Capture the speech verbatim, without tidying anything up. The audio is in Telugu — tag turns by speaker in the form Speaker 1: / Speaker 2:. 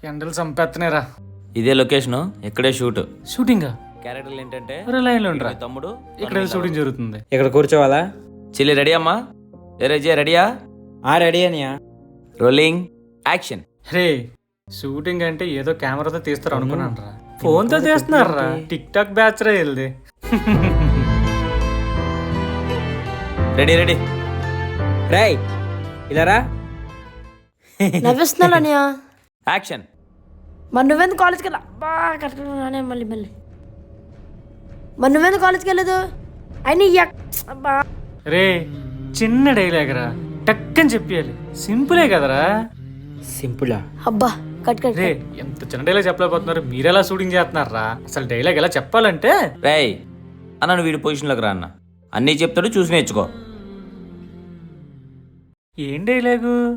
Speaker 1: ఎండలు చంపేస్తున్నారా.
Speaker 2: ఇదే లొకేషన్, ఇక్కడే షూట్.
Speaker 1: షూటింగా?
Speaker 2: క్యారెక్టర్లు ఏంటంటే
Speaker 1: లైన్లో ఉండరా
Speaker 2: తమ్ముడు,
Speaker 1: ఇక్కడ షూటింగ్ జరుగుతుంది.
Speaker 3: ఇక్కడ కూర్చోవాలా?
Speaker 2: చెల్లి రెడీ అమ్మా? ఏ జే రెడీయా?
Speaker 3: ఆ రెడీ అనియా.
Speaker 2: Rolling action.
Speaker 1: రే, షూటింగ్ అంటే ఏదో కెమెరాతో తీస్తారు అనుకున్నాను రా. ఫోన్ తో తీస్తున్నారా? టిక్ టాక్ బ్యాచ్ రా వెళ్ళి.
Speaker 2: Ready ready.
Speaker 3: రేయ్ ఇలారా.
Speaker 4: నవ్విస్తున్నాను అనియా.
Speaker 2: యాక్షన్.
Speaker 4: మరి నువ్వెందుకు కాలేజ్కి వెళ్ళా? అబ్బా కట్టుకున్నానే మళ్ళీ మళ్ళీ. మరి నువ్వెందుకు కాలేజ్కి వెళ్ళదు? అయినా ఎక్- అబ్బా
Speaker 1: రే, చిన్న డైలాగ్ రా, టక్కని చెప్పాలి. సింపులే కదరా.
Speaker 3: సింపులా?
Speaker 4: అబ్బా కట్ కట్
Speaker 1: రే, ఎంత చిన్న డైలాగ్ చెప్పలేకపోతున్నారు, మీరెలా షూటింగ్ చేస్తున్నారా? అసలు డైలాగ్ ఎలా చెప్పాలంటే,
Speaker 2: రేయ్ అన్న, నువ్వు వీడి పొజిషన్లోకి రా అన్న. అన్నీ చెప్తాడు, చూసి నేర్చుకో.
Speaker 1: ఏం డైలాగు?